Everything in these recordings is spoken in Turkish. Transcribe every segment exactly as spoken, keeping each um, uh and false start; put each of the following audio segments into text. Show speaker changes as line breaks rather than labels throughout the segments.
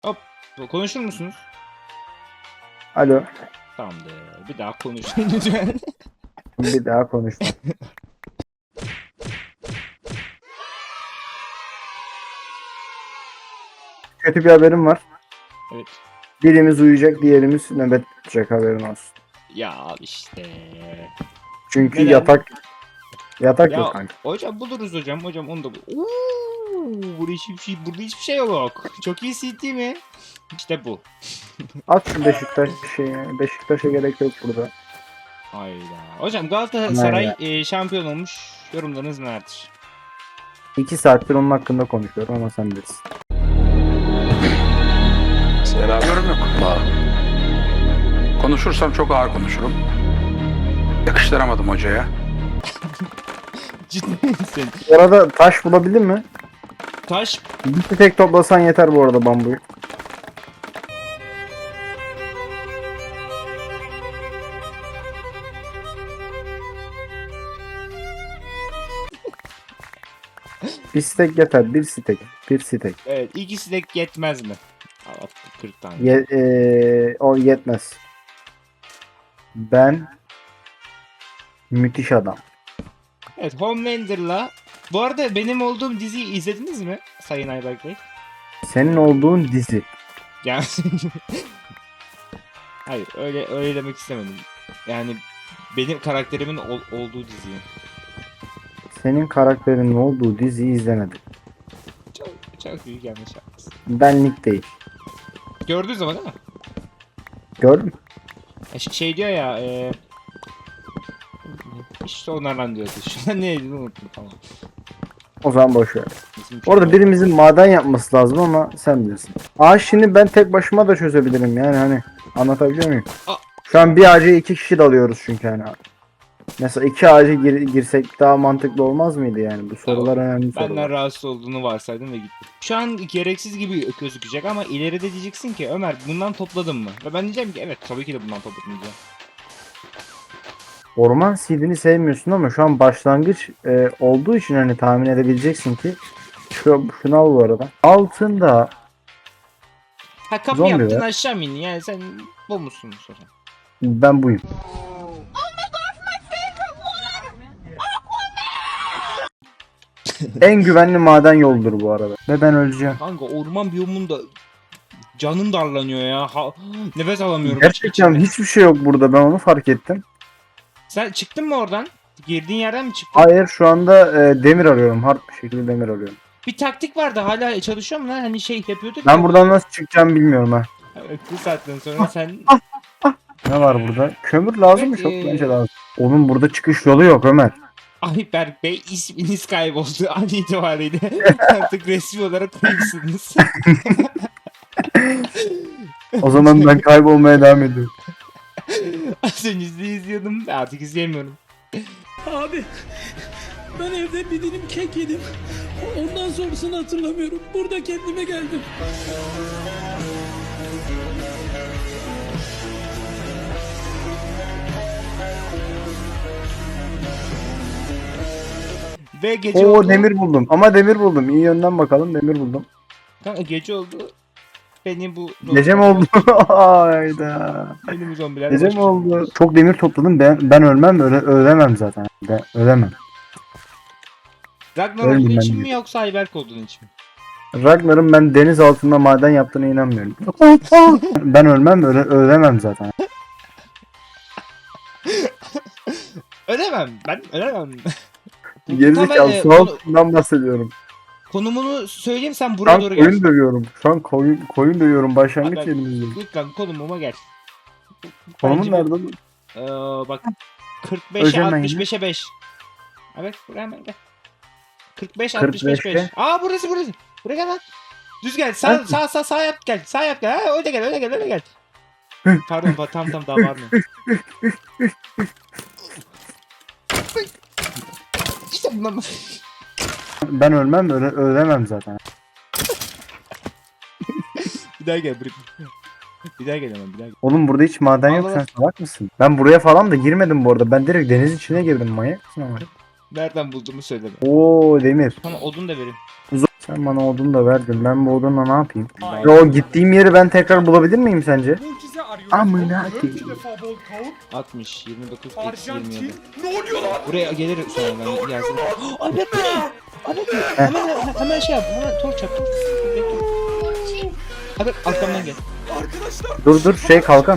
Hop. Konuşur musunuz?
Alo.
Tamamdır. Bir daha konuşun lütfen.
Bir daha konuşma. Kötü bir haberim var.
Evet.
Birimiz uyuyacak, diğerimiz nöbet tutacak, haberin olsun.
Ya al işte.
Çünkü
Neden?
yatak yatak
Ya
yok kanka.
hocam buluruz hocam. Hocam onu da bul. Uuu, burada hiçbir şey, burada hiçbir şey yok. Çok iyi C D mi? İşte bu.
At şu Beşiktaş şeyi. Beşiktaş'a gerek yok burada.
Hayda. Hocam Galatasaray
Aynen.
e, şampiyon olmuş. Yorumlarınız nelerdir?
İki saattir onun hakkında konuşuyorum ama sen bilirsin.
Senaryom yok. Aa. Konuşursam çok ağır konuşurum. Yakıştıramadım hocaya.
Ciddi misin?
Bu arada taş bulabildin mi?
Taş.
Bir tek toplasan yeter bu arada bambuyu. Bir stek yeter. Bir stek. Bir stek.
Evet, ikisi de yetmez mi? Al, attık kırk tane.
Ye, eee, o yetmez. Ben müthiş adam.
Evet, Homelander'la. Bu arada benim olduğum diziyi izlediniz mi Sayın Ayberk Bey?
Senin olduğun dizi.
Yani hayır, öyle öyle demek istemedim. Yani benim karakterimin ol- olduğu diziyi.
Senin karakterinin olduğu diziyi izlemedim.
Çok çok büyük yanlış yapmışsın.
Benlik değil.
Gördünüz ama değil mi?
Gördün mü?
E, ş- şey diyor ya, e... işte onlardan diyordu. Şu an neydi unuttum, tamam.
O zaman boş ver.
İsmi çok
Orada
oldu.
birimizin maden yapması lazım ama sen bilirsin. Ağaç şimdi ben tek başıma da çözebilirim yani hani. Anlatabiliyor muyum?
Aa.
Şu an bir ağaca iki kişi dalıyoruz çünkü hani. Mesela iki ağaca gir- girsek daha mantıklı olmaz mıydı yani? Bu sorular önemli
Benden
sorular.
rahatsız olduğunu varsaydım ve gittim. Şu an gereksiz gibi gözükecek ama ileride diyeceksin ki Ömer bundan topladın mı? Ve ben diyeceğim ki evet tabii ki de bundan topladım diyeceğim.
Orman seedini sevmiyorsun ama şu an başlangıç e, olduğu için hani tahmin edebileceksin ki şu şunu al bu arada. Altında
Ha kapı
Zombi
yaptın
var.
aşağı mı indin yani sen bu musun sonra?
ben buyum. En güvenli maden yoldur bu arada. Ve ben öleceğim.
Kanka orman biyomunda canım darlanıyor ya. Ha, nefes alamıyorum.
Gerçekten
içinde.
hiçbir şey yok burada, ben onu fark ettim.
Sen çıktın mı oradan? Girdiğin yerden mi çıktın?
Hayır, şu anda e, demir arıyorum. Hard bir şekilde demir arıyorum.
Bir taktik vardı hala çalışıyor mu lan? Hani şey yapıyorduk
Ben
ya.
buradan nasıl çıkacağım bilmiyorum ha.
Evet, bu saatten sonra sen...
Ne var burada? Kömür lazım mı?
Evet,
Çok
ee,
bence lazım. Onun burada çıkış yolu yok Ömer.
Ayberk Bey isminiz kayboldu an itibariyle. Artık resmi olarak kayıpsınız.
O zaman ben kaybolmaya devam ediyorum.
Az önce sizi izliyordum. Artık izleyemiyorum.
Abi ben evde bir dilim kek yedim. Ondan sonrasını hatırlamıyorum. Burada kendime geldim.
Ve gece
Oo,
oldu.
demir buldum. Ama demir buldum. İyi yönden bakalım, demir buldum.
Kanka gece oldu. Beni bu...
Gece mi oldu? Hayda.
Beni bu zombiler...
Gece
baş-
mi oldu? Çok demir topladım. Ben ben ölmem, öle, ölemem zaten. Ben ölemem.
Ragnar
Ölmeyeyim
olduğu
ben
için
de.
mi yoksa Ayberk olduğun için mi?
Ragnar'ın ben deniz altında maden yaptığına inanmıyorum. Ben ölmem, öle, ölemem zaten.
Ölemem. Ben ölemem. Bu-
Gerizekalı,
Tamam, e,
su
konu-
altından bahsediyorum.
konumunu söyleyeyim sen
Şu
buraya
an
doğru gel.
koyun dövüyorum. Şu an koyun, koyun dövüyorum. Başlangıç
Haber-
yerimizde.
Lütfen konumuma gel.
Konumun
Bence bu-
nerede?
Ee, bak kırk beşe
Öleceğim ben
altmış
yine.
beşe beş. Evet buraya hemen gel. kırk beş
kırk
altmış beş
beşe.
beş. Aa burası burası. Buraya gel lan. Düz gel. Sağ
Ben-
sağ sağ sağ yap gel. Sağ yap gel. Ha, öyle gel öyle gel öyle gel. Pardon pa- tam tam daha var mı? İşte bundan
Ben ölmem, öle, ölemem zaten.
bir daha gel buraya. Bir daha gel hemen bir daha gel.
Oğlum burada hiç maden yok,
Allah
sen
Allah.
salak mısın? Ben buraya falan da girmedim bu arada. Ben direkt deniz içine girdim, manyak mısın ama?
Nereden bulduğumu söyleme.
Oo, demir.
Sana odun da vereyim.
Sen bana odun da verdin. Ben bu odunla ne yapayım?
Ben-
Ya o gittiğim yeri ben tekrar bulabilir miyim sence?
Mucize arıyoruz.
Amına
Dört
koyayım.
defa bol tavuk.
altmış, yirmi dokuz, eksi yirmi
Arjantin.
yedi.
Ne oluyor lan?
Buraya gelir sonra ben gelsin. Albert bu ne? Albert hemen hemen şey yap. Hemen torç yap. Bekle. Albert arkamdan gel.
Arkadaşlar.
Dur dur şey kalkan.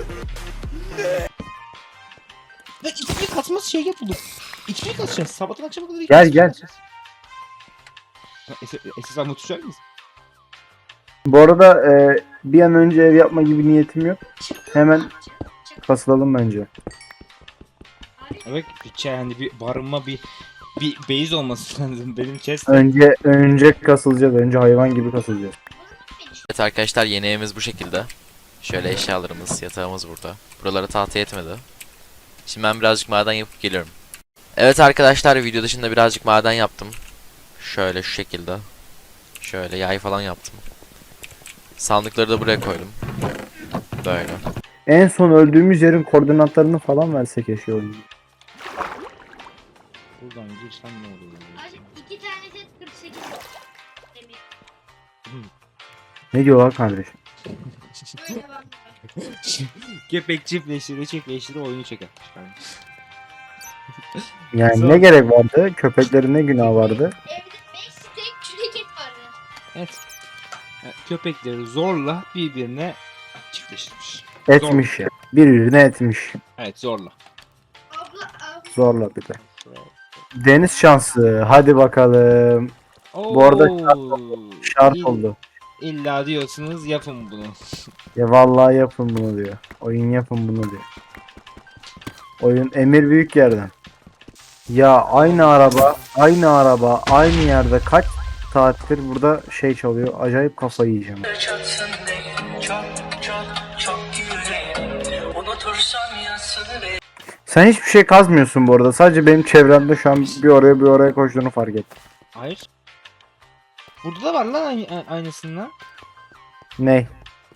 Ve ikili katmaz şey yapılır. İkili katacağız. Sabahtan akşama kadar ikili
Gel,
katacağız.
gel.
Ha, Esas, esas anlatacak mısın?
Bu arada e, bir an önce ev yapma gibi niyetim yok. Hemen kasılalım bence.
Evet, bir şey hani bir barınma bir bir base olması lazım benim chest.
Önce önce kasılacağız. Önce hayvan gibi kasılacağız.
Evet arkadaşlar, yeni evimiz bu şekilde. Şöyle eşyalarımız, yatağımız burada. Buralara tahta yetmedi. Şimdi ben birazcık maden yapıp geliyorum. Evet arkadaşlar, video dışında birazcık maden yaptım. Şöyle şu şekilde. Şöyle yay falan yaptım. Sandıkları da buraya koydum. Böyle.
En son öldüğümüz yerin koordinatlarını falan versek eşya oyunu.
Buradan girsem ne olur?
Abi iki tane set kırk sekiz demir.
Ne diyorlar kardeşim?
Öyle bak.
Köpek çiftleştire çiftleştire oyunu çeker.
Yani
Zor.
ne gerek vardı? Köpeklerin ne günahı vardı?
Evde beş stek çürük et vardı.
Evet. Yani köpekleri zorla birbirine çiftleştirmiş.
Etmiş ya. Birbirine etmiş.
Evet zorla.
Abla abla.
Zorla bir de. Deniz şansı. Hadi bakalım. Bu arada Şart
İll-
oldu.
İlla diyorsunuz yapın bunu.
Ya vallahi yapın bunu diyor. Oyun yapın bunu diyor. Oyun emir büyük yerden. Ya aynı araba, aynı araba, aynı yerde kaç saattir burada şey çalıyor. Acayip kafayı yiyeceğim.
Çatsın beni çok çok çok yüreğim. Unutursam yansını ve
Sen hiçbir şey kazmıyorsun bu arada. Sadece benim çevremde şu an bir oraya bir oraya koştuğunu fark ettim.
Hayır. Burada da var lan aynı, aynısından.
Ne?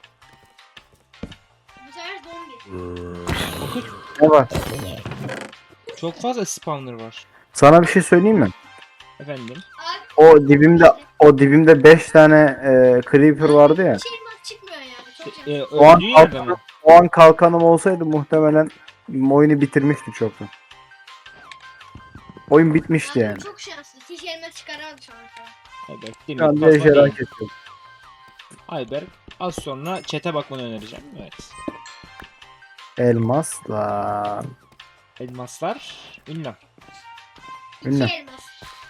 Bu sefer zombi.
Ne var?
Çok fazla spawner var.
Sana bir şey söyleyeyim mi?
Efendim.
Abi
O dibimde o dibimde beş tane e, creeper vardı ya.
hiç elmas çıkmıyor yani. Çok şanslı.
E,
O an,
öldüğü yerde mi?
o an kalkanım olsaydı muhtemelen oyunu bitirmişti çoktan. Oyun bitmişti
Abi
yani.
çok şanslı. Hiç elmas çıkaramadı şu ana kadar.
Ayberk,
Şu an
demir
bir
kazma
ejderha
değil.
kesiyorum.
Ayberk az sonra chat'e bakmanı önereceğim. Evet.
Elmasla.
Elmaslar ünlem.
İki
Ünlem.
elmas.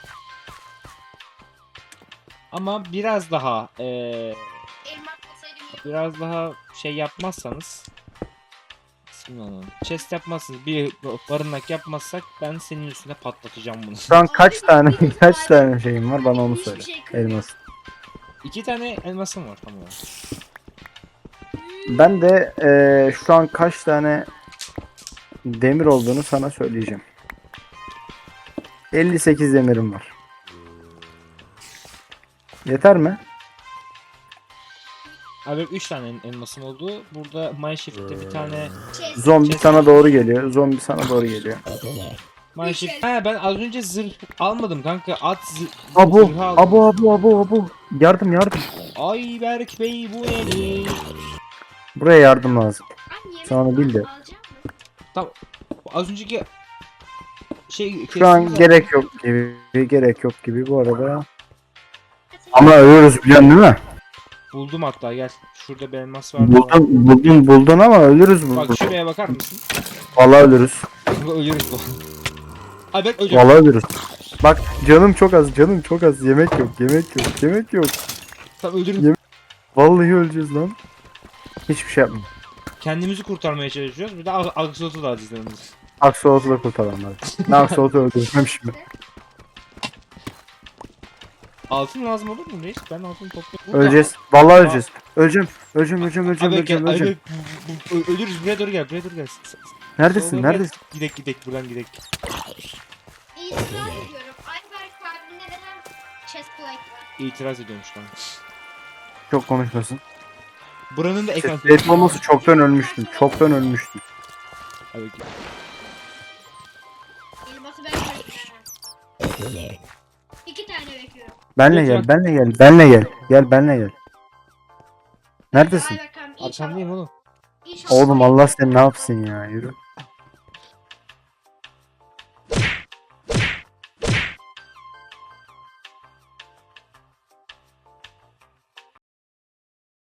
Ama biraz daha eee
Elmas olsaydı iyi.
biraz daha şey yapmazsanız ismini onun. Chest yapmazsınız. Bir barınak yapmazsak ben senin üstüne patlatacağım bunu.
Şu an kaç
Abi,
tane
hiçbir
kaç
şey
tane şeyim var bana onu
Hiçbir
söyle.
şey kırmıyor.
Elmas.
İki tane elmasım var tamam.
Ben de eee, şu an kaç tane demir olduğunu sana söyleyeceğim. elli sekiz demirim var. Yeter mi?
Abi üç tane elmasım oldu. Burada Mineshaft'te bir tane
Chest.
Zombi sana doğru geliyor. Zombi sana doğru geliyor.
Mineshaft. Ha ben az önce zırh almadım kanka. At zırh,
Abu,
zırhı aldım.
abu, abu, abu, abu. Yardım, yardım.
Ayberk Bey bu nedir?
Buraya yardım lazım.
Abi yemek
Sen onu bil de.
alacak mı?
Tamam. Az önceki şey
Şu an
kestiğimiz-
gerek yok gibi, gerek yok gibi bu arada. Ama ölürüz biliyorsun değil mi?
Buldum hatta gel. Şurada bir elmas var.
Buldun, buldun, buldun ama ölürüz burada.
Bak şuraya bakar mısın?
Vallahi ölürüz.
Ölürüz bu. Ayberk öleceğim.
Vallahi ölürüz. Bak canım çok az, canım çok az. Yemek yok, yemek yok, yemek yok.
Tamam öldürün.
Yem- Vallahi öleceğiz lan. Hiçbir şey yapma.
Kendimizi kurtarmaya çalışıyoruz. Bir de Ag- Axolotl da azizlerimiz.
Aksolot'u da kurtaralım hadi. Ne Aksolot'u öldüreceğim şimdi.
Altın lazım olur mu reis? Ben altın topluyorum.
Öleceğiz. Vallahi öleceğiz. Öleceğim. Öleceğim, öleceğim, öleceğim,
Ayberk gel.
öleceğim, öleceğim.
Ayberk bu- bu- ölürüz. Buraya doğru gel. Buraya doğru gel. S- s-
Neredesin,
sola gel.
neredesin?
Gidek gidek buradan gidek.
İtiraz ediyorum. Ayberk abimde neden chest plate var?
İtiraz ediyormuş lan.
Çok konuşmasın.
Buranın da ekran...
Set olması çoktan ölmüştüm. Çoktan ölmüştüm.
Ayberk.
Elması ben bekliyorum. İki tane bekliyorum.
Benle
Lütfen.
gel, benle gel, benle gel. Gel benle gel. Neredesin?
Ayberk abi inşallah.
Arkandayım oğlum.
İnşallah.
Oğlum Allah seni ne yapsın ya, yürü.